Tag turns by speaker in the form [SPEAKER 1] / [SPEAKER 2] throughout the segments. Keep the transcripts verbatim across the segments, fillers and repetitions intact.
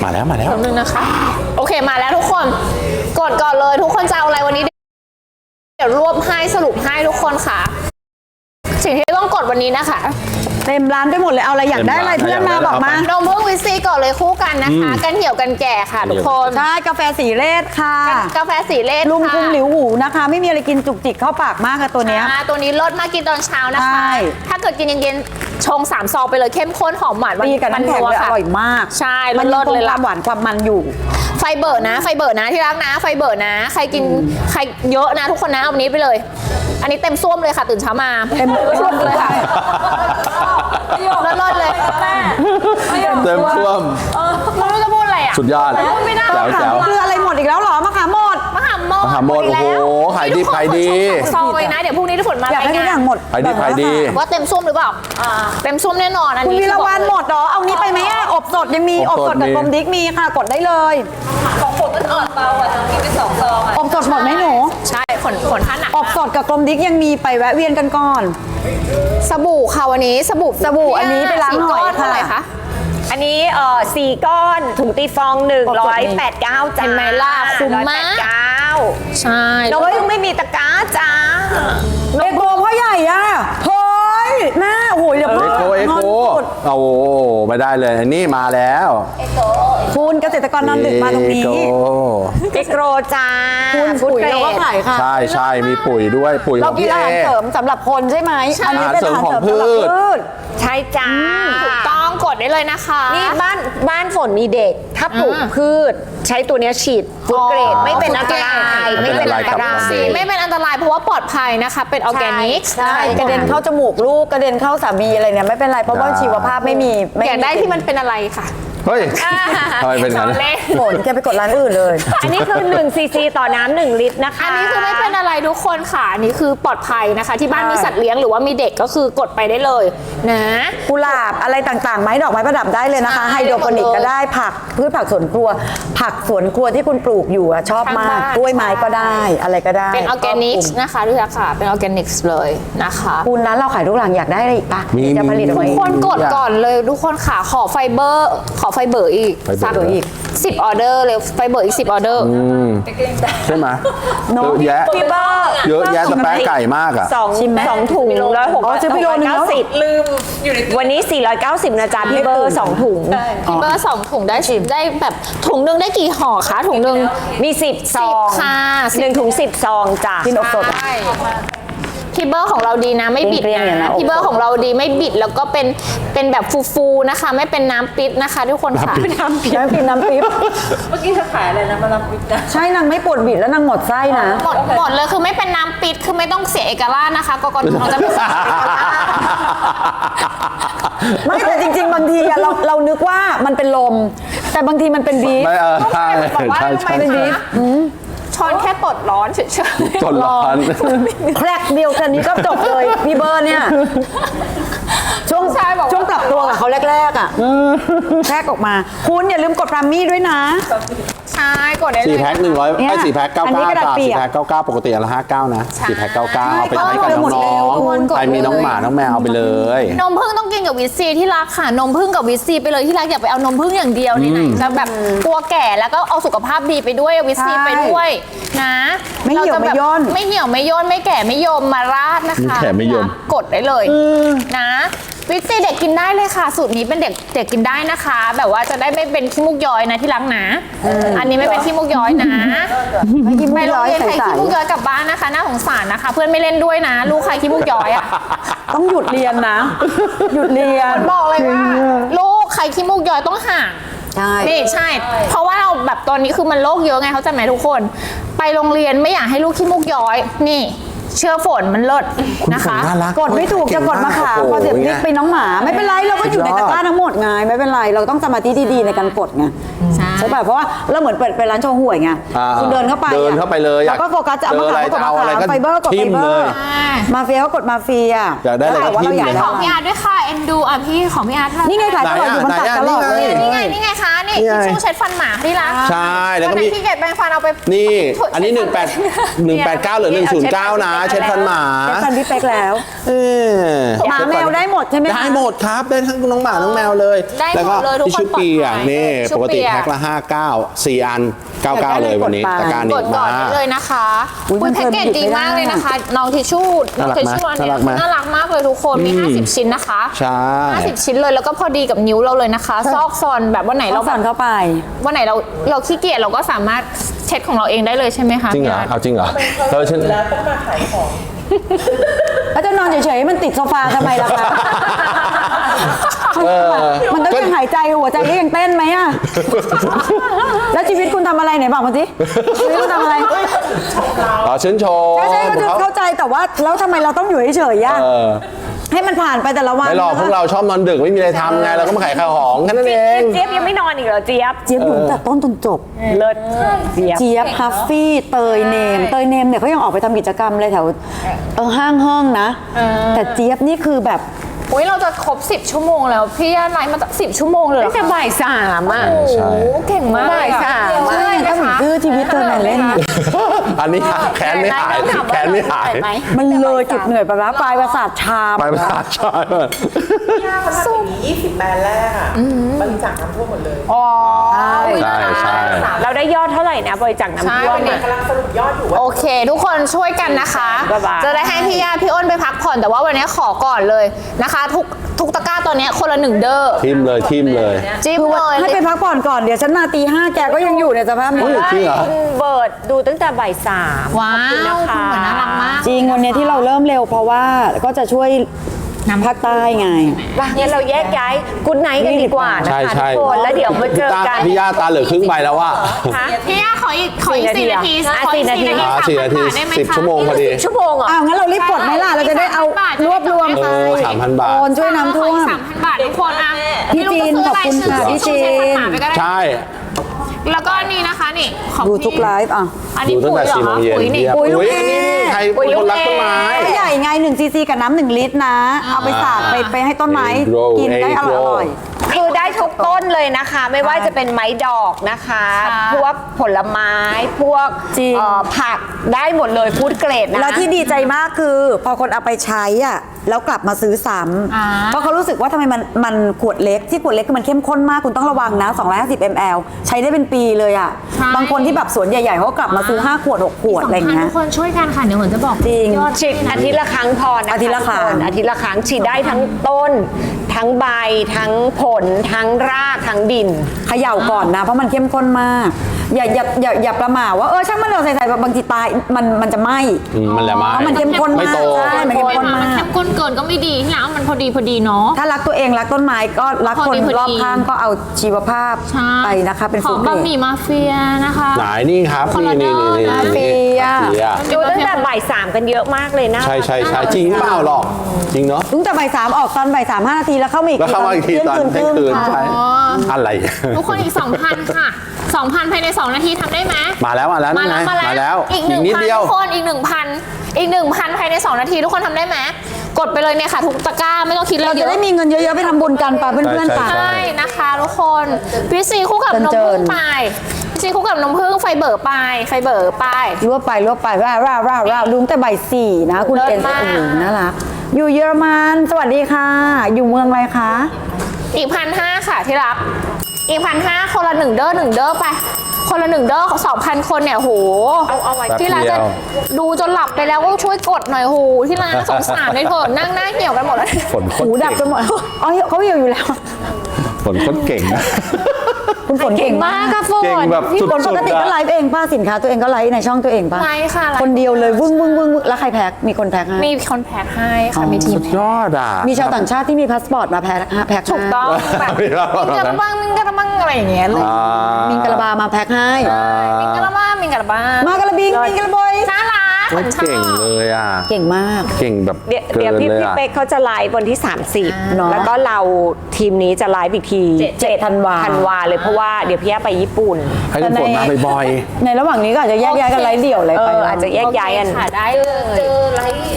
[SPEAKER 1] มาแล้วมาแล้ว
[SPEAKER 2] แป๊บนึงนะคะโอเคมาแล้วทุกคนกดก่อนเลยทุกคนจะเอาอะไรวันนี้เดี๋ยวรวบให้สรุปให้ทุกคนค่ะสิ่งที่ต้องกดวันนี้นะคะ
[SPEAKER 3] เต็มร้านไปหมดเลยเอาอะไรอยากได้อะไรเพื่อนมาบอกมาน
[SPEAKER 2] มพึ่งวิซีก่อนเลยคู่กันนะคะกันเหี่ยวกันแก่ค่ะทุกคน
[SPEAKER 3] ใช่กาแฟสีเรศค่ะ
[SPEAKER 2] กาแฟสีเรศ
[SPEAKER 3] ลุงคุมหลิวหูนะคะไม่มีอะไรกินจุกจิกเข้าปากมากค่ะตัวนี้
[SPEAKER 2] ตัวนี้รสมากกินตอนเช้านะคะถ้าเกิดกินเย็นๆชงสามซองไปเลยเข้มข้นหอมหวาน
[SPEAKER 3] ตีกับน้ำแข็งเลยอร่อยมาก
[SPEAKER 2] ใช่
[SPEAKER 3] มัน
[SPEAKER 2] รสเลย
[SPEAKER 3] ความหวานความมันอยู่
[SPEAKER 2] ไฟเบอร์นะไฟเบอร์นะที่รักนะไฟเบอร์นะใครกินใครเยอะนะทุกคนนะเอานี้ไปเลยอันนี้เต็มส้วมเลยค่ะตื่นเช้ามา
[SPEAKER 3] เต็มส้วมเลยค่ะ
[SPEAKER 2] รสๆเลย
[SPEAKER 1] เต็มส้วม
[SPEAKER 2] ไม่รู้จะพูดอะไรอ่ะ
[SPEAKER 1] สุดยอดแจ๋วแจ๋ว
[SPEAKER 3] คืออะไรหมดอีกแล้วหรอมะขามหมด
[SPEAKER 2] มะขามหมด
[SPEAKER 1] มะขามหมดโอ้โหขายดีขายดี
[SPEAKER 2] ซองเลยนะเดี๋ยวพรุ่งนี้ทุกคนมา
[SPEAKER 3] อยากให้ทุกอย่างหมด
[SPEAKER 1] ขายดีขายดี
[SPEAKER 2] ว่าเต็มส้วมหรือเปล่าเต็มส้วมแน่นอนอันนี้
[SPEAKER 3] คุณวิรวันหมดหรอเอานี้ไปไหมอบสดยังมีอบสดกับกลมดิ๊กมีค่ะกดได้เลย
[SPEAKER 4] ของผมมันอ่อนเบาอ่ะกินไปสองซองอ่ะ
[SPEAKER 3] อบสดหมดไหมหนู
[SPEAKER 2] ใช่ขนขนท่านหนัก
[SPEAKER 3] อบสดกับกลมดิ๊กยังมีไปแวะเวียนกันก่อน
[SPEAKER 2] สบู่ค่ะวันนี้สบู่
[SPEAKER 3] สบู่อันนี้ไปล้างหอย
[SPEAKER 2] เท่าไหร่คะ
[SPEAKER 4] อันนี้เอ่อสี่ก้อนถุงตีฟองหนึ่งร้อยแปดเก้าจ้า
[SPEAKER 2] เห็นไหมล่ะคุ้มมากใช่
[SPEAKER 4] แล้วก็ยังไม่มีตะกร้าจ้า
[SPEAKER 3] เอโกพ่อใหญ่อะเฮ้ยแม่โอ้ยเดี๋ยว
[SPEAKER 1] เอโกเอโกโอ้โหไม่ได้เลยนี่มาแล้ว
[SPEAKER 3] คุณเกษตรกรนอนดึกมาตรงนี้
[SPEAKER 4] เอโกจ้า
[SPEAKER 3] คุณปุ๋ยเราก็ขายค่ะ
[SPEAKER 1] ใช่ใช่มีปุ๋ยด้วยปุ๋ยของพี่เอ
[SPEAKER 3] เรากินอาหารเสริมสำหรับคนใช่ไหม
[SPEAKER 1] อันนี้เป็นอาหารเสริมของพืช
[SPEAKER 4] ใช่จ้า
[SPEAKER 2] ถูกต้องกดได้เลยนะคะ
[SPEAKER 4] นี่บ้านบ้านฝนมีเด็กถ้าปลูกพืชใช้ตัวนี้ฉีดฟู้ดเกรดไม่เป็นอันตรายไม่เป็นอันตราย
[SPEAKER 2] ไม่เป็นอันตรายเพราะว่าปลอดภัยนะคะเป็นออร์แกนิก
[SPEAKER 3] ใช่กระเด็นเข้าจมูกลูกกระเด็นเข้าสามีอะไรเนี่ยไม่เป็นไรเพราะว่าชีวภาพไม่มี
[SPEAKER 2] อยากได้ที่มันเป็นอะไรค่ะ
[SPEAKER 1] เฮ้ยทำไมเป็นงั้น
[SPEAKER 3] ฝนแกไปกดร้านอื่นเลย
[SPEAKER 4] อันนี้คือหนึ่งซีซีต่อน้ำหนึ่งลิตรนะคะ
[SPEAKER 2] อันนี้คือไม่เป็นอะไรทุกคนค่ะอันนี้คือปลอดภัยนะคะที่บ้านมีสัตว์เลี้ยงหรือว่ามีเด็กก็คือกดไปได้เลยนะ
[SPEAKER 3] กุหลาบอะไรต่างๆไม้ดอกไม้ประดับได้เลยนะคะไฮโดรโปนิกก็ได้ผักพืชผักสวนครัวผักสวนครัวที่คุณปลูกอยู่อะชอบมากกล้วยไม้ก็ได้อะไรก็ได้
[SPEAKER 2] เป็นออร์แกนิกนะคะทุกท่านค่ะเป็นออร์แกนิกเลยนะคะ
[SPEAKER 3] คุณร้านเราขายทุกหลังอยากได้อะไรอีกปะจะผลิตออกมา
[SPEAKER 2] ทุกคนกดก่อนเลยทุกคนค่ะขอไฟเบอร์ขอไฟเบอร์อีก
[SPEAKER 1] สัก
[SPEAKER 2] อีกสิบออเดอร์เลยไฟเบอร์อีกสิบออเดอร์
[SPEAKER 1] ใช่ไหมเยอะแยะ
[SPEAKER 4] พี่เบอร์
[SPEAKER 1] เยอะแยะสเปรย์ไก่มากอ่ะ
[SPEAKER 4] สองสองถุงร้อยหกสิบ
[SPEAKER 3] พี่โยนเก้าสิบ
[SPEAKER 4] ลืมอยู่ในวันนี้สี่ร้อยเก้าสิบนะจ๊ะพี่เบอร์สองถุง
[SPEAKER 2] พี่เบอร์สองถุงได้สิบได้แบบถุงนึงได้กี่ห่อคะถุงนึง
[SPEAKER 4] มีสิบซอง
[SPEAKER 2] ค่ะ
[SPEAKER 4] หนึ่งถุงสิบซองจ้ะ
[SPEAKER 3] กินอบสด
[SPEAKER 2] พี่เบอร์ของเราดีนะไม่บิดนะพี่เบอร์ของเราดีไม่บิดแล้วก็เป็นเป็นแบบฟูๆนะคะไม่เป็นน้ำปิดนะคะทุกคนค่ะ
[SPEAKER 3] น้ำปิดน้ำปิดน้ำปิด
[SPEAKER 4] เมื่อกี้เธอขายอะไรนะมาน้ำปิดนะ
[SPEAKER 3] ใช่นางไม่ปวดบิดแล้วนางหมดไส้นะ
[SPEAKER 2] หมดหมดเลยคือไม่เป็นน้ำปิดคือไม่ต้องเสียเอกราชนะคะกกตจะไม่เสียเอกราช
[SPEAKER 3] ไม่แต่จริงๆบางทีอะเราเรานึกว่ามันเป็นลมแต่บางทีมันเป็นบีฟ
[SPEAKER 1] ไม่เออใช่ใช่ใช่
[SPEAKER 3] เป็นบีฟ
[SPEAKER 2] ช้อนแค่ตดร้อนเฉย
[SPEAKER 1] ๆตดร้อน
[SPEAKER 3] แครกเดียวกันนี้ก็จบเลยพี่เบอร์เนี่ยช่วงช่วงปรับตัวกับเขาแรกๆอ่ะแครกออกมาคุณอย่าลืมกดพรามมี่ด้วยนะ
[SPEAKER 2] ใช่กดได้เลย
[SPEAKER 1] สี่แพ็คหนึ่งร้อยไอ้สี่แพ็คเก้าเก้าจ้าสี่แพ็คเก้าเก้าปกติละห้าเก้านะสี่แพ็คเก้าเก้าไปใช้กับน้องๆใครมีน้องหมาน้องแมวเอาไปเลย
[SPEAKER 2] นมผึ้งต้องกินกับวิตซีที่รักค่ะนมผึ้งกับวิตซีไปเลยที่รักอย่าไปเอานมผึ้งอย่างเดียวนี่ไหนจะแบบตัวแก่แล้วก็เอาสุขภาพดีไปด้วยวิตซีไปด้วยนะ
[SPEAKER 3] ไม่เหี่ยวไม่ย่น
[SPEAKER 2] ไม่เหี่ยวไม่ย่นไม่แก่ไม่ยมมาราดนะคะ
[SPEAKER 1] แก่ไม่ยม
[SPEAKER 2] กดได้เลยนะวิตซีเด็กกินได้เลยค่ะสูตรนี้เป็นเด็กเด็กกินได้นะคะแบบว่าจะได้ไม่เป็นขี้มุกย้อยนะที่รักนะอันนี้ไม่เป็นขี้มุกย้อยนะไม่โรงเรียนใครขี้มุกย้อยกลับบ้านนะคะน่าสงสารนะคะเพื่อนไม่เล่นด้วยนะลูกใครขี้มุกย้อยอ่ะ
[SPEAKER 3] ต้องหยุดเรียนนะหยุดเรียน
[SPEAKER 2] บอกเลยว่าลูกใครขี้มุกย้อยต้องห่าง
[SPEAKER 3] ใช่
[SPEAKER 2] นี่ใช่เพราะว่าเราแบบตอนนี้คือมันโรคเยอะไงเขาใจไหมทุกคนไปโรงเรียนไม่อยากให้ลูกขี้มุกย้อยนี่เชื่อฝนมันเลิศนะคะ
[SPEAKER 3] กดไม่ถูกจะกดมาขาพอเสียบลิกไปน้องหมาไม่เป็นไรเราก็อยู่ในตะกร้าทั้งหมดไงไม่เป็นไรเราต้องสมาธิดีๆในการกดไงใช่ป่ะเพราะว่าเราเหมือนเปิดเป็นร้านโชว์หวยไงคุณเดินเข้าไป
[SPEAKER 1] เดินเข้าไปเลย
[SPEAKER 3] แล้วก็โฟกัสจะเอามาขายกดมาขายไฟเบอร์กดไฟเบอร์มาเฟียก็กดมาเฟีย
[SPEAKER 1] อยากได้อะไรก็ทิมเลย
[SPEAKER 2] ของพี่อาร์ด้วยค่ะเอ็นดูอ่ะพี่ของพี่อาร์
[SPEAKER 3] นี่ไงขายตลอดอยู่มันตัดตลอดเลย
[SPEAKER 2] นี่ไงนี่ไงคะนี่
[SPEAKER 1] นี่ไง
[SPEAKER 2] ทิชชู่เช็ดฟันหมาที่รัก
[SPEAKER 1] ใช่แล้วก็
[SPEAKER 2] นไหน
[SPEAKER 1] มี
[SPEAKER 2] ที่เกียจแปรงฟันเอาไป
[SPEAKER 1] นี่
[SPEAKER 2] ถู
[SPEAKER 1] อันนี้หนึ่งแปดหนึ่งแปดเก้าหรือหนึ่งศูนย์เก้านะเช็ดฟันหมา
[SPEAKER 3] เช็ดฟันพี่เป๊กแล้ว
[SPEAKER 1] เออ
[SPEAKER 3] หมาแมวได้หมดใช่ไหมคะ
[SPEAKER 1] ได้หมดครับได้ทั้งน้องหมาน้องแมวเลย
[SPEAKER 2] ได้หมด
[SPEAKER 1] แล้วก็
[SPEAKER 2] เลยทุก
[SPEAKER 1] ทิช
[SPEAKER 2] คน
[SPEAKER 1] ชู่เปียก
[SPEAKER 2] ปลอดภัย
[SPEAKER 1] นี่
[SPEAKER 2] ทิชชู่
[SPEAKER 1] ปกติ
[SPEAKER 2] เปียก
[SPEAKER 1] แพ็คละห้าเก้าสี่อันเก้าเก้าเลยวันนี้ตะกร้าร
[SPEAKER 2] ก
[SPEAKER 1] นี้
[SPEAKER 2] ดก่
[SPEAKER 1] มา
[SPEAKER 2] อนได้เลยนะคะ
[SPEAKER 3] อุ๊ย
[SPEAKER 2] อุ้ย
[SPEAKER 3] มัน
[SPEAKER 2] แพ็กเกจ
[SPEAKER 3] เพิ่ม
[SPEAKER 2] ดี
[SPEAKER 3] ไม่ได้
[SPEAKER 2] มากเลยนะคะน้องทิชชู่น้องทิชชู่อันเนี้ย
[SPEAKER 1] น่ารักไหม
[SPEAKER 2] น่ารักมากเลยทุกคนมีห้าสิบชิ้นนะคะ
[SPEAKER 1] ใช่
[SPEAKER 2] ห้าสิบชิ้นเลยแล้วก็พอดีกับนิ้วเราเลยนะคะ ซอกซอนแบบวันไหน
[SPEAKER 3] เรา
[SPEAKER 2] เราแบ
[SPEAKER 3] สั่
[SPEAKER 2] บ
[SPEAKER 3] นเข้าไป
[SPEAKER 2] วันไหนเราเราขี้เกียจเราก็สามารถเช็ดของเราเองได้เลยใช่ไหมคะ
[SPEAKER 1] จริงเหรอ
[SPEAKER 2] พี่
[SPEAKER 1] เอาจริงเหรอเออฉัน
[SPEAKER 3] แล้วจะนอนเฉยๆมันติดโซฟาทำไมล่ะคะ
[SPEAKER 1] เออ
[SPEAKER 3] มันต้องยังหายใจหัวใจก็ยังเต้นไหมอะแล้วชีวิตคุณทำอะไรไหนบอกมาสิชีวิตคุณทำอะไร
[SPEAKER 1] อ๋อชื่นชม
[SPEAKER 3] ใช่ใช่ก็จะเข้าใจแต่ว่าแล้วทำไมเราต้องอยู่เฉยๆอะ
[SPEAKER 1] เออ
[SPEAKER 3] ให้มันผ่านไปแต่ละวัน
[SPEAKER 1] ไม่หรอกพวกเราชอบนอนดึกไม่มีอะไรทำไงเราก็มาขายข้าวของแค่นั้นเอง
[SPEAKER 4] เจี๊ยบยังไม่นอนอีกเหรอเจี๊ยบ
[SPEAKER 3] เจี๊ยบอยู่ตั้งแต่ต้นจนจบ
[SPEAKER 4] เลิศเจี๊ยบ
[SPEAKER 3] เจี๊ยบฮัฟฟี่เตยเนมเตยเนมเนี่ยเขายังออกไปทำกิจกรรมเลยแถวเออห้างห้องนะ แต่เจี๊ยบนี่คือแบบ
[SPEAKER 2] อุ้ยเราจะครบสิบชั่วโมงแล้วพี่ย่าไลฟ์มาตั้งสิบชั่วโมงเลยเหรอ
[SPEAKER 4] ตั้งแต่บ่ายสามอ่ะ
[SPEAKER 2] โอ้โหเก่งมาก
[SPEAKER 4] บ่ายสาม
[SPEAKER 2] ใช่
[SPEAKER 3] ถ้า
[SPEAKER 2] นะ
[SPEAKER 3] ผม
[SPEAKER 2] คะ
[SPEAKER 3] ดื้อชีวิตเธอเนี่ยเล่น
[SPEAKER 1] อันนี้แขนไม่หายแขนไม่หาย
[SPEAKER 3] มันเลยจุดเหนื่อยไปแล้วปลายประสาทชา
[SPEAKER 1] ไปประสาทชอย
[SPEAKER 5] ย่าเขาทำอย่างนี้ยี่สิบแบรนด์แรกอะบริจาคน้ำท่วมหมดเลย
[SPEAKER 2] อ๋อ
[SPEAKER 1] ใช่ใช่
[SPEAKER 4] เราได้ยอดเท่าไหร่นะบริจาคน้ำท่วม
[SPEAKER 2] ใช่
[SPEAKER 4] อะ
[SPEAKER 5] กำลังสรุปยอดอยู่ว่า
[SPEAKER 2] โอเค ทุกคนช่วยกันนะคะ
[SPEAKER 4] บ๊ายบาย
[SPEAKER 2] จะได้ให้พี่ย่าพี่อ้นไปพักผ่อนแต่ว่าวันนี้ขอก่อนเลยนะคะ ทุกทุกตะกร้าตอนนี้คนละหนึ่งเด้อ
[SPEAKER 1] ทิมเลยทิมเลย
[SPEAKER 2] จิ้ม
[SPEAKER 3] คือ
[SPEAKER 2] เล
[SPEAKER 3] ว่าย ให้ไปพักผ่อนก่อนเดี๋ยวฉันมาตีห้าแกก็ยังอยู่ในสภาพนี้
[SPEAKER 1] เฮ้ย จริงเหรอ
[SPEAKER 4] เบิร์ดดูตั้งแต่บ่ายสาม
[SPEAKER 2] ว้าวคุณเหมือนน่ารักมาก
[SPEAKER 3] จริงวันเนี้ยที่เราเริ่มเร็วเพราะว่าก็จะช่วยน้ำภาคใต้ไง
[SPEAKER 4] ว่างั้นเราแยกย้ายกุ๊ดไนท์กันดีกว่านะ
[SPEAKER 1] ใช่
[SPEAKER 4] คะ
[SPEAKER 1] ใช่
[SPEAKER 4] ทุกคนแล้วเดี๋ยวมาเจอกัน
[SPEAKER 1] พี่ย่าตาเหลือครึ่งใบแล้วว่า
[SPEAKER 4] คะ
[SPEAKER 2] พี่ย่าขออีกขออีก
[SPEAKER 4] สี่
[SPEAKER 2] สี่นา
[SPEAKER 4] นาที
[SPEAKER 2] ที
[SPEAKER 4] อ่ะ
[SPEAKER 2] ขออีก
[SPEAKER 4] สี่
[SPEAKER 2] สี่
[SPEAKER 4] นา
[SPEAKER 2] นา
[SPEAKER 4] ที
[SPEAKER 2] ที
[SPEAKER 1] อ่า
[SPEAKER 2] สาม
[SPEAKER 1] สี่
[SPEAKER 2] พัน
[SPEAKER 1] นาที
[SPEAKER 2] บาทได้ไหม
[SPEAKER 1] สิบ
[SPEAKER 2] คะ
[SPEAKER 1] ชั่วโมงพอดี
[SPEAKER 4] ชั่วโมงเหรอ
[SPEAKER 3] อ้าวงั้นเรารีบกดไหมล่ะเราจะได้เอารวบรวมไป
[SPEAKER 1] เออสามพันบาท
[SPEAKER 3] โอนช่วยน้ำท่วม
[SPEAKER 2] สามพันบาททุกคนอ่ะ
[SPEAKER 3] พี่จีน
[SPEAKER 2] ไม่รู้จะซื้
[SPEAKER 3] ขอบคุณค่ะ
[SPEAKER 2] อะไร
[SPEAKER 3] พี่จีน
[SPEAKER 2] ซื้อซื้อเช็คปัญหาไปก็ได้
[SPEAKER 1] ใช่
[SPEAKER 2] แล้วก็นี่นะคะนี่ของ
[SPEAKER 3] ดู
[SPEAKER 2] พี่
[SPEAKER 3] ทุกไลฟ์อ่ะ
[SPEAKER 2] อัน
[SPEAKER 1] ดู
[SPEAKER 2] นี้
[SPEAKER 1] ตั้ง
[SPEAKER 2] ปุ๋ย
[SPEAKER 1] แต่
[SPEAKER 2] เหรอ
[SPEAKER 1] สี่โมง
[SPEAKER 2] คะ
[SPEAKER 1] เย็น
[SPEAKER 2] ปุ๋ยนี่
[SPEAKER 1] เรียบ
[SPEAKER 3] ปุ๋ยลูก
[SPEAKER 1] อุ๊ย
[SPEAKER 3] แม่
[SPEAKER 1] นี่นี่ใครเป็นคนรักต้นไม้
[SPEAKER 3] ก็ใหญ่ไงหนึ่งซีซีกับน้ำหนึ่งลิตรนะ เอาไปสาดไปไปให้ต้นไม้
[SPEAKER 1] เอโกร
[SPEAKER 3] กินได้อร่อย
[SPEAKER 4] คือได้ทุกต้นเลยนะคะ ไม่ว่าจะเป็นไม้ดอกนะคะ พวกผลไม้ พวก
[SPEAKER 3] จริง
[SPEAKER 4] เอ่อผักได้หมดเลยฟู้ดเกรดนะ
[SPEAKER 3] แล้วที่ดีใจมากคือพอคนเอาไปใช้อ่ะแล้วกลับมาซื้อซ้
[SPEAKER 2] อ่า
[SPEAKER 3] ำเพราะเขารู้สึกว่าทำไมมันมันขวดเล็กที่ขวดเล็กคือมันเข้มข้นมากคุณต้องระวังนะสองร้อยห้าสิบมิลลิลิตร ใช้ได้เป็นปีเลยอ่ะ
[SPEAKER 2] ใช่
[SPEAKER 3] บางคนที่แบบสวนใหญ่ๆเขาก็กลับมาซื้อห้าขวดหกขวดอะไรอย่างเงี้ย
[SPEAKER 2] ทุกคนช่วยกันค่ะเดี๋ยวเหมือนจะบอก
[SPEAKER 3] จริง
[SPEAKER 2] ยอด
[SPEAKER 4] ฉีดอาทิตย์ละครั้งพอนะคะ
[SPEAKER 3] อาทิตย์ละครั้ง
[SPEAKER 4] ทุกนอาทิตย์ละครั้งฉีดได้ทั้งต้น ทั้งใบ ทั้งผล ทั้งราก ทั้งดิน
[SPEAKER 3] เขย่าก่อนนะ เพราะมันเข้มข้นมาก อย่าอย่าอย่าอย่าประมาทว่าเออช่างมันเราใส่ๆบางทีตายมันมันจะไหม้
[SPEAKER 1] อืมมันแหละไม้
[SPEAKER 3] เพราะมันเข้มข้น
[SPEAKER 1] ไม่
[SPEAKER 3] มาก
[SPEAKER 1] โต
[SPEAKER 3] ใช่มันเข้มข้น
[SPEAKER 2] มั
[SPEAKER 3] มาน ก
[SPEAKER 2] เข้มข้นเกินก็ไม่ดีที่หลังมันพอดีพอดีเนาะ
[SPEAKER 3] ถ้ารักตัวเองรักต้นไม้ก็รัก
[SPEAKER 2] พ
[SPEAKER 3] ค
[SPEAKER 2] อน ดีพอดี
[SPEAKER 3] รอบข้างก็เอาชีวภาพ
[SPEAKER 2] ใช่
[SPEAKER 3] ไปนะคะเป็น
[SPEAKER 2] ข
[SPEAKER 3] ฟู
[SPEAKER 2] อง
[SPEAKER 3] ดเกร
[SPEAKER 2] บะ
[SPEAKER 3] ด
[SPEAKER 2] หมี่มาเฟียนะคะ
[SPEAKER 1] ไหนนี่ครับ
[SPEAKER 2] คน
[SPEAKER 1] นี่
[SPEAKER 2] ละ
[SPEAKER 1] นี่นี่
[SPEAKER 2] ดอก
[SPEAKER 1] นี่
[SPEAKER 2] นะ
[SPEAKER 3] เปีย
[SPEAKER 1] เปีย
[SPEAKER 4] ดูตั้งแต่บ่ายสามกันเยอะมากเลยนะ
[SPEAKER 1] ใช่ใช่ใช่จริงเปล่าหรอกจริงเนาะ
[SPEAKER 3] ตั้งแต่บ่ายสามออกตอนบ่ายสามห้านาทีแล้วเข้ามาอีก
[SPEAKER 1] แล้วเข้ามาอีกทีตอนเที่ยงคืน
[SPEAKER 3] ค่ะ
[SPEAKER 1] ใช่อะไร
[SPEAKER 2] ทุกคนอีก สองพัน ค่ะ สองพัน ภายใน สอง นาทีทำได้ไหม
[SPEAKER 1] มาแล้วมาแล้ว
[SPEAKER 2] มา
[SPEAKER 1] นี่ไง
[SPEAKER 2] แล้ว
[SPEAKER 1] มาแล้ว
[SPEAKER 2] อีก
[SPEAKER 1] อีกนิด
[SPEAKER 2] หนึ่งพัน
[SPEAKER 1] เดียว
[SPEAKER 2] ทุกคนอีก หนึ่งพัน อีก หนึ่งพัน ภายใน สอง นาทีทุกคนทำได้ไหมกดไปเลยเนี่ยค่ะ ทุกตะกร้าไม่ต้องคิดอะไร
[SPEAKER 3] เรา
[SPEAKER 2] เย
[SPEAKER 3] จะ
[SPEAKER 2] อะ
[SPEAKER 3] ได้มีเงินเยอะๆไปทำบุญกันป่ะเพื่อนๆป่ะ
[SPEAKER 2] ใช่นะคะทุกคนพี่ซีคู่กับนม
[SPEAKER 3] เจิ
[SPEAKER 2] ผึ้
[SPEAKER 3] ญ
[SPEAKER 2] งไปพี่ซีคู่กับนมผึ้งไฟเบอร์ไปไฟเบอร์ไป
[SPEAKER 3] รวบไปรวบไปร่าร่าร่าร่าลุงแต่บ่ายสี่นะ คุณ
[SPEAKER 2] เลิศ
[SPEAKER 3] เอ็น
[SPEAKER 2] มาก
[SPEAKER 3] โอ้โหน่ารักอยู่เยอรมันสวัสดีค่ะ อยู่เมืองอะไรคะ
[SPEAKER 2] อีกพันห้าค่ะที่รักอีกพันห้าคนละหนึ่งเด้อหนึ่งเด้อไป คนละหนึ่งเด้อสองพันคนเนี่ยโห
[SPEAKER 4] เอาเอาไว้
[SPEAKER 2] ที่ร้านจะดูจนหลับไปแล้วก็ช่วยกดหน่อยโหที่ร้านสงสารเลยเถอะนั่งหน้าเหี่ยวกันหมดแล้ว
[SPEAKER 1] ฝนโคต
[SPEAKER 3] หู
[SPEAKER 1] ร
[SPEAKER 3] ดับ
[SPEAKER 1] เก่
[SPEAKER 3] จ
[SPEAKER 1] ง
[SPEAKER 3] นหมดอ๋อเขาเหี่ยวอยู่แล้ว
[SPEAKER 1] ฝนโคตรเก่งนะ
[SPEAKER 3] คุณฝนเก่งมาม
[SPEAKER 4] าก กค่ะฝ
[SPEAKER 1] เก่ง
[SPEAKER 4] น
[SPEAKER 1] แบบ
[SPEAKER 3] พี่
[SPEAKER 1] สุด
[SPEAKER 3] ฝนปกติ
[SPEAKER 1] ๆ
[SPEAKER 3] ก็
[SPEAKER 1] อะ
[SPEAKER 3] ไลฟ์เองป้าสินค้าตัวเองก็ไลฟ์ในช่องตัวเองป้า
[SPEAKER 2] ไลฟ์ค่ะไลฟ์
[SPEAKER 3] คนเดียวเลยวึ่งวึ่งวึ่งวึ่งแล้วใครแพ็คมีคนแพ็คให้
[SPEAKER 2] มีคนแพ็คให้ค่ะมีที
[SPEAKER 1] สุ
[SPEAKER 2] ม
[SPEAKER 1] ดยอดอ่ะ
[SPEAKER 3] มีชาวต่างชาติที่มีพาสปอร์ตมาแพ็คแพ็คให้
[SPEAKER 2] ถูกต้องแบบ
[SPEAKER 1] มีแล้ว
[SPEAKER 2] มิงกะละบังมิงกะละบังอะไรอย่างเงี้ยเลย
[SPEAKER 1] อ่า
[SPEAKER 3] มิงกะลาบามาแพ็คให้
[SPEAKER 2] มิงกะละบังมิงกะละบัง
[SPEAKER 3] มากระบิงมิงกระบอย
[SPEAKER 2] น่ารัก
[SPEAKER 1] โคตรเก่งเลยอ่ะ
[SPEAKER 3] เก่งมาก
[SPEAKER 1] เก่งแบบ
[SPEAKER 4] เดี๋ยว
[SPEAKER 1] เกิ
[SPEAKER 4] เดี๋ยวน พี่
[SPEAKER 1] เลย
[SPEAKER 4] พี่
[SPEAKER 1] อ่ะ
[SPEAKER 4] เป๊กเขาจะไลฟ์วันที่ สามสิบ
[SPEAKER 3] เนอะ
[SPEAKER 4] แล้วก็เราทีมนี้จะไลฟ์อีกที
[SPEAKER 3] เจ็ดธันวา
[SPEAKER 4] ธันวาเลยเพราะว่าเดี๋ยวพี่ย่าไปญี่ปุ่น
[SPEAKER 1] ให้คุณฝนมาบ่อย
[SPEAKER 3] ในระหว่างนี้ก็อาจจะแยกย้ายกันไลฟ์เดี่ยวอะไร
[SPEAKER 4] เอ
[SPEAKER 3] ไป
[SPEAKER 4] ออาจจะแยกย้ายกัน
[SPEAKER 2] ค่ะได้เลยเจอไลฟ์ที่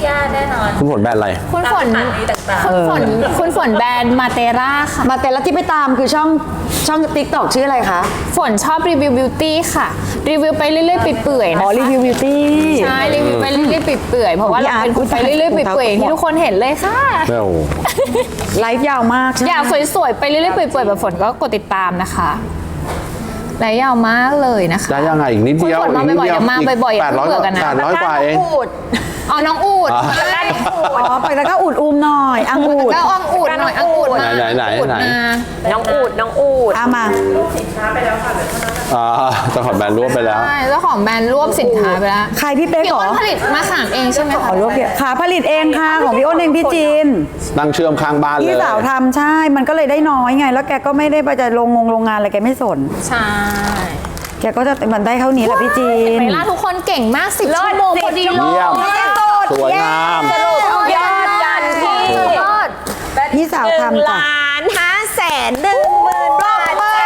[SPEAKER 2] ย่าแน่นอน
[SPEAKER 1] คุณฝนแบรนด์อะไร
[SPEAKER 2] คุณฝนคุณฝนคุณฝนแบรนด์มาเตราค่ะ
[SPEAKER 3] มาแต่ละที่ไปตามคือช่องช่องติ๊กต็อกชื่ออะไรคะ
[SPEAKER 2] ฝนชอบรีวิวบิวตี้ค่ะ รีวิวไปเรื่อยๆเปื่อยๆ
[SPEAKER 3] อ๋
[SPEAKER 2] นะ
[SPEAKER 3] อรีวิวบิวตี้
[SPEAKER 2] ใช่รีวิวไปเรื่อยๆเปื่อยๆเพราะว่าเราเป็นคนไปเรื่อยๆเปื่อยๆที่ทุกคนเห็นเลยค่ะ
[SPEAKER 1] แม่โอ้
[SPEAKER 3] ไลฟ์ยาวมากใช่ไหม
[SPEAKER 2] อยากสวยๆไปเรื่อยๆเปื่อยๆแบบฝนก็กดติดตามนะคะและยาวมากเลยนะคะ
[SPEAKER 1] ได้ยังไงอีกนิดเดียว
[SPEAKER 2] คุณฝนมา
[SPEAKER 1] อีกนิด
[SPEAKER 2] บ่อยๆ
[SPEAKER 1] เดียว
[SPEAKER 2] เดี๋ยวมาบ่อยๆอย่า
[SPEAKER 1] แปด
[SPEAKER 2] เพิ่
[SPEAKER 1] ร้อย
[SPEAKER 2] งเบื่อกันนะ
[SPEAKER 1] แปดร้อยกว่าเอง
[SPEAKER 2] อ๋อน้องอูด
[SPEAKER 1] อ๋อ
[SPEAKER 3] อ๋อไปแล้วก็อุดอูมหน่อยอังอูด
[SPEAKER 2] ก็อังอูดหน่อยอังอูดมา
[SPEAKER 1] ไหนๆไหนๆ
[SPEAKER 2] อูด
[SPEAKER 1] ไหน
[SPEAKER 2] มา
[SPEAKER 4] น้องอูดน้องอูด
[SPEAKER 3] เอามา
[SPEAKER 1] อ่าเจ้าของแบรนด์รวบไปแล้ว
[SPEAKER 2] ใช่เจ้าของแบรนด์รวบสินค้าไปแล้ว
[SPEAKER 3] ใครพี่เป๊ก
[SPEAKER 2] พี่
[SPEAKER 3] เหร
[SPEAKER 2] อ้
[SPEAKER 3] อน
[SPEAKER 2] ผลิตมาขามเองใช่ไหม
[SPEAKER 3] ข
[SPEAKER 2] คะ
[SPEAKER 3] อรวบเดียวขาผลิตเองค่ะของพี่อ้นเองพี่จีน
[SPEAKER 1] นั่งเชื่อมข้างบ้านเลย
[SPEAKER 3] พี่สาวทำใช่มันก็เลยได้น้อยไง แล้วแกก็ไม่ได้ไปจะลงงงโรงงานอะไรแกไม่สน
[SPEAKER 2] ใช่
[SPEAKER 3] แกก็จะมันได้เท่านี้แหละพี่จีน
[SPEAKER 2] ไปล่าทุกคนเก่งมากสิบชั่วโมงพอดีเล
[SPEAKER 1] เยี่ยม สวยงาม
[SPEAKER 4] สรุปยอดกันที่
[SPEAKER 2] ยอด
[SPEAKER 3] พี่สาว
[SPEAKER 4] หนึ่ง
[SPEAKER 3] ทำจ้ะ
[SPEAKER 4] ล้านห้าแสนหนึ่งหมื่นบาทจ้า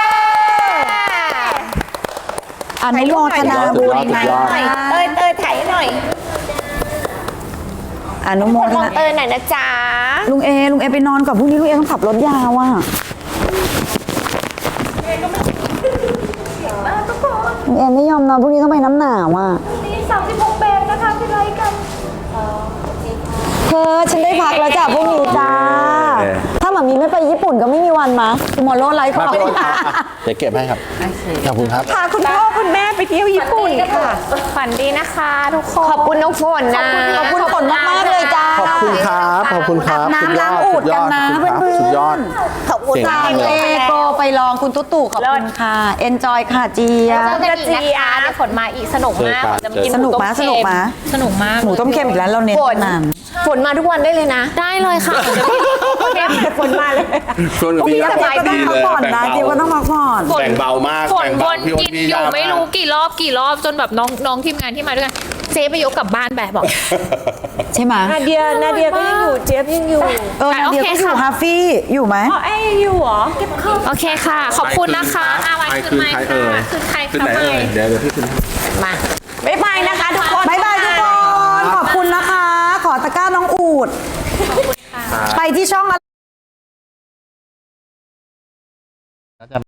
[SPEAKER 3] อนุโมทนาบุญนะ
[SPEAKER 1] สุดยอด
[SPEAKER 4] เต้ยเต้ยถ่ายให้หน่อย
[SPEAKER 3] อนุโม
[SPEAKER 4] คน
[SPEAKER 3] ท
[SPEAKER 4] มอง
[SPEAKER 3] นา
[SPEAKER 4] เต้ยหน่อยนะจ๊ะ
[SPEAKER 3] ลุงเอลุงเอไปนอนก่อนพรุ่งนี้ลุงเอต้องขับรถยาวอ่ะลุงเอไม่ยอมนอนพรุ่งนี้ต้องไปน้ำหนาวอ่ะ
[SPEAKER 2] นี่สามสิบหกแบรนด์นะคะที่ไลค์กัน
[SPEAKER 3] เธอฉันได้พักแล้วจ้ะพรุ่งนี้จ้า
[SPEAKER 1] โอเค
[SPEAKER 3] ถ้าหมามีไม่ไปญี่ปุ่นก็ไม่มีวันมาคุณหมอโลไลฟ์ข
[SPEAKER 1] มา
[SPEAKER 3] อง
[SPEAKER 1] พี่อ้นครับเดี๋ยวเก็บให้ครับ ขอบคุณครับ
[SPEAKER 4] พาคุณพ่อคุณแม่ไปเที่ยวญี่ปุ่นค่ะ
[SPEAKER 2] ฝันดีนะคะทุกคน
[SPEAKER 4] ขอบคุณน้องฝนนะ
[SPEAKER 3] ขอบคุณฝนมากๆเลยจ้า
[SPEAKER 1] ขอบคุณครับ ขอบคุณครับ
[SPEAKER 3] น้ำล้างอูดกันนะ
[SPEAKER 1] สุดยอด
[SPEAKER 3] เพื่อนๆ
[SPEAKER 1] สุดยอด
[SPEAKER 3] ขอบคุณ
[SPEAKER 1] เก่ง
[SPEAKER 3] ค่ะ
[SPEAKER 1] มากเลย
[SPEAKER 3] เอโกไปลองคุณตุ๊ตู่ขอบคุณค่ะเอนจอยค่ะเจีย
[SPEAKER 2] เจอกันอีกนะคะเดี๋ยวฝนมาอีกสนุกมาก
[SPEAKER 1] เจอกัน
[SPEAKER 2] จะกิน
[SPEAKER 3] สนุกไหม
[SPEAKER 2] หต้
[SPEAKER 3] สนุกไหม
[SPEAKER 2] สนุกมาก
[SPEAKER 3] หมูต้มเค็มอีกแล้วเราเน้น
[SPEAKER 4] ฝน
[SPEAKER 3] นาน
[SPEAKER 4] ฝนมาทุกวันได้เลยนะ
[SPEAKER 2] ได้เลยค่ะเดี๋ยวพี่
[SPEAKER 4] ฝนมาเลย
[SPEAKER 1] ชวนกับพี่
[SPEAKER 3] เจี๊ย
[SPEAKER 1] ย่า
[SPEAKER 3] บก็ต้องพักผ่อนนะเจี๊ยบก็ต้องพักผ่อน
[SPEAKER 1] แบ่งเบามาก
[SPEAKER 2] ฝน
[SPEAKER 1] แบ่ง
[SPEAKER 2] ว
[SPEAKER 1] เบาน พี่อ้
[SPEAKER 2] กิ
[SPEAKER 1] น
[SPEAKER 2] น
[SPEAKER 1] พี่
[SPEAKER 2] อยู่
[SPEAKER 1] ย่า
[SPEAKER 2] ไม่รู้กี่รอบกี่รอบจนแบบน้องน้องทีมงานที่มาด้วยกันเจ๊ไปยกกลับบ้านแบบบอก
[SPEAKER 3] ใช่ไหม
[SPEAKER 4] นาเดียนาเดียก็ยังอยู่เจี๊ยบยังอยู่
[SPEAKER 3] เออนาเดียก็อยู่ฮาฟี่อยู่ไหม
[SPEAKER 4] อ๋อไอ้อยู่เหรอเก็บข้าว
[SPEAKER 2] โอเคค่ะ ขอบคุณนะคะอาวัน
[SPEAKER 1] ใคร
[SPEAKER 2] คืน
[SPEAKER 1] คืน
[SPEAKER 2] ไม้
[SPEAKER 1] ใครเอ่
[SPEAKER 2] ค่ะ
[SPEAKER 1] ย
[SPEAKER 2] คืนใคร
[SPEAKER 1] คืน
[SPEAKER 2] ค่ะ
[SPEAKER 1] ไหน
[SPEAKER 2] ไม่
[SPEAKER 1] เอ่ยเดี๋ยวเดี๋ยวพี่คืน
[SPEAKER 4] มาบ๊ายบายนะคะทุกคน
[SPEAKER 3] บายบายทุกคน ขอบคุณนะคะ ขอตะกร้าน้องอูด ไปที่ช่อง